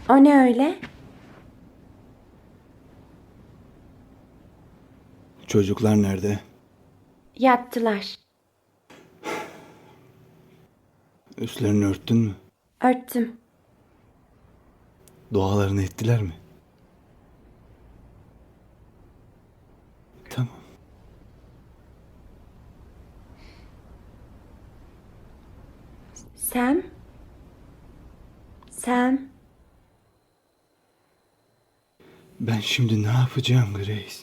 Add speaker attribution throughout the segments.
Speaker 1: O ne öyle?
Speaker 2: Çocuklar nerede?
Speaker 1: Yattılar.
Speaker 2: Üstlerini örttün mü?
Speaker 1: Örttüm.
Speaker 2: Dualarını ettiler mi? Tamam.
Speaker 1: Sam? Sam?
Speaker 2: Ben şimdi ne yapacağım Grace?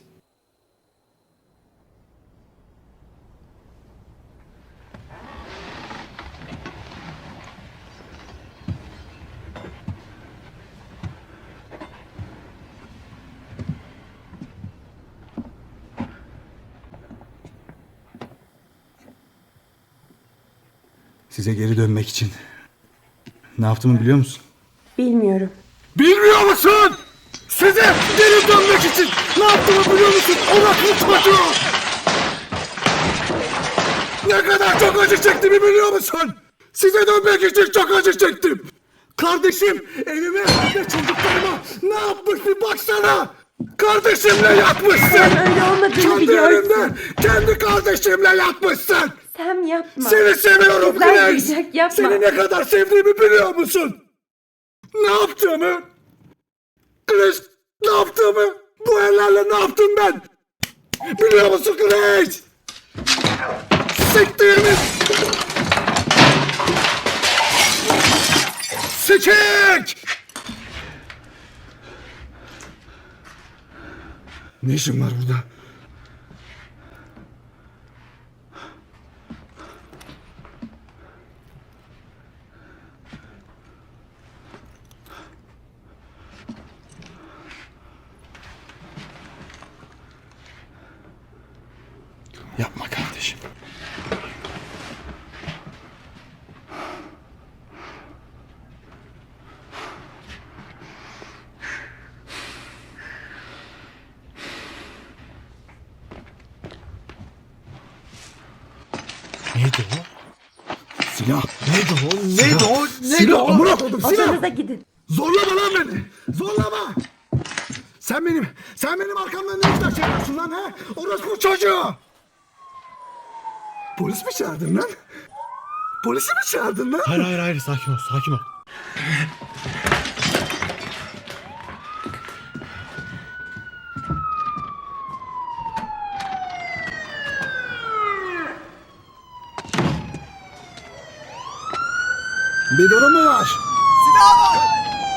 Speaker 2: Size geri dönmek için ne yaptığımı biliyor musun?
Speaker 1: Bilmiyorum.
Speaker 2: Bilmiyor musun? Size geri dönmek için ne yaptığımı biliyor musun? Oraklı çocuğu! Ne kadar çok acı çektiğimi biliyor musun? Size dönmek için çok acı çektim. Kardeşim evime ve çocuklarıma ne yapmış bir baksana. Kardeşimle yatmışsın.
Speaker 1: Sam öyle olmadığını
Speaker 2: Kendi
Speaker 1: biliyorsun.
Speaker 2: evimde kendi kardeşimle yatmışsın.
Speaker 1: Sam yapma.
Speaker 2: Seni seviyorum
Speaker 1: Kızlar
Speaker 2: Grace.
Speaker 1: duyacak, yapma.
Speaker 2: Seni ne kadar sevdiğimi biliyor musun? Ne yaptığımı? Grace, ne yaptığımı? Bu ellerle ne yaptım ben? Biliyor musun Grace? Siktiğimiz! Sikik! Ne işin var burada? Yapma kardeşim.
Speaker 3: Neydi o?
Speaker 2: Silah.
Speaker 3: Neydi o? Neydi o? Neydi
Speaker 2: Silah.
Speaker 3: o?
Speaker 2: Amına koydum silah.
Speaker 1: Odanıza gidin.
Speaker 2: Zorlama lan beni. Zorlama. Sen benim arkamdan ne işler çeviriyorsun lan he? Orospu çocuğu. Polis mi çağırdın lan? Polisi mi çağırdın lan?
Speaker 3: Hayır sakin ol sakin ol.
Speaker 2: Bir durum mu var?
Speaker 4: Silah var!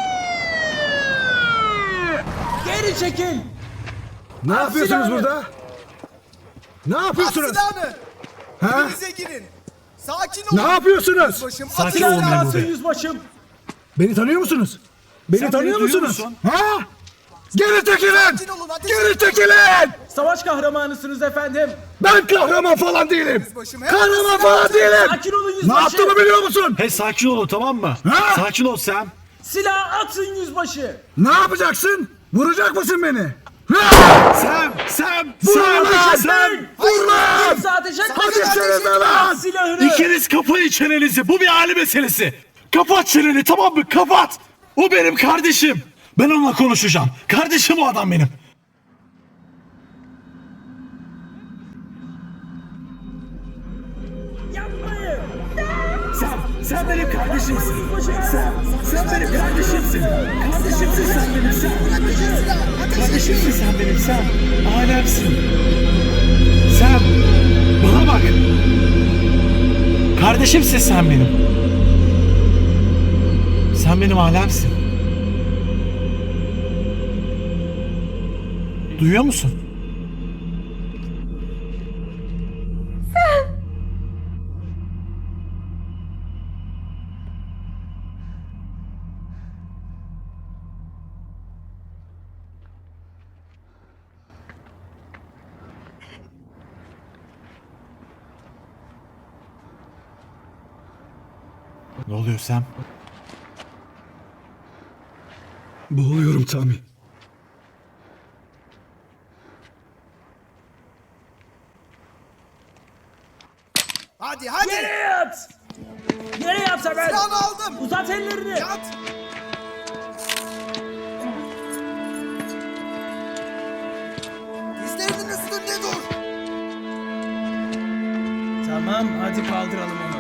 Speaker 4: Geri çekil!
Speaker 2: Ne yapıyorsunuz
Speaker 4: silahını.
Speaker 2: burada? Ne
Speaker 4: At
Speaker 2: yapıyorsunuz?
Speaker 4: silahını!
Speaker 2: Ha?
Speaker 4: Evinize girin! Sakin olun!
Speaker 2: Ne yapıyorsunuz?
Speaker 4: Başım, at
Speaker 3: Sakin
Speaker 4: silahını!
Speaker 3: olun memur bey.
Speaker 4: yüzbaşım!
Speaker 2: Beni tanıyor musunuz? Beni
Speaker 3: Sen
Speaker 2: tanıyor
Speaker 3: beni duyuyor
Speaker 2: musunuz?
Speaker 3: musun?
Speaker 2: Ha? Geri çekilin!
Speaker 4: Sakin olun, ateş
Speaker 2: Geri
Speaker 4: etmeyin.
Speaker 2: çekilin!
Speaker 5: Savaş kahramanısınız efendim.
Speaker 2: Ben kahraman falan değilim.
Speaker 4: Yüzbaşım,
Speaker 2: Kahraman
Speaker 4: hemen
Speaker 2: falan
Speaker 4: silah
Speaker 2: değilim.
Speaker 5: Sakin olun
Speaker 2: Ne
Speaker 5: yüzbaşı.
Speaker 2: yaptığımı biliyor musun?
Speaker 3: Hey sakin olun tamam mı?
Speaker 2: Ha?
Speaker 3: Sakin ol Sam.
Speaker 5: Silah atın yüzbaşı.
Speaker 2: Ne yapacaksın? Vuracak mısın beni?
Speaker 3: Sam!
Speaker 2: Vur lan!
Speaker 3: Sam!
Speaker 2: Vur lan!
Speaker 5: Kimse ateş etmesin.
Speaker 2: Hadi çenene lan!
Speaker 5: Silahını.
Speaker 3: İkiniz kapayın çenenizi. Bu bir aile meselesi. Kapat çeneni tamam mı? Kapat. O benim kardeşim. Ben onunla konuşacağım. Kardeşim o adam benim.
Speaker 5: Yapmayın.
Speaker 3: Sen benim kardeşimsin. Sen benim kardeşimsin. Kardeşimsin sen benim sen. Kardeşimsin sen benim sen. Alemsin. Sen bana bak. Kardeşimsin sen benim. Sen benim alemsin. Duyuyor musun? Ne oluyor Sam?
Speaker 2: Boğuluyorum Tami.
Speaker 4: Hadi hadi!
Speaker 5: Yere yat. Yere yat hemen.
Speaker 4: Silahını aldım!
Speaker 5: Uzat ellerini.
Speaker 4: Yat!
Speaker 5: Tamam hadi kaldıralım onu.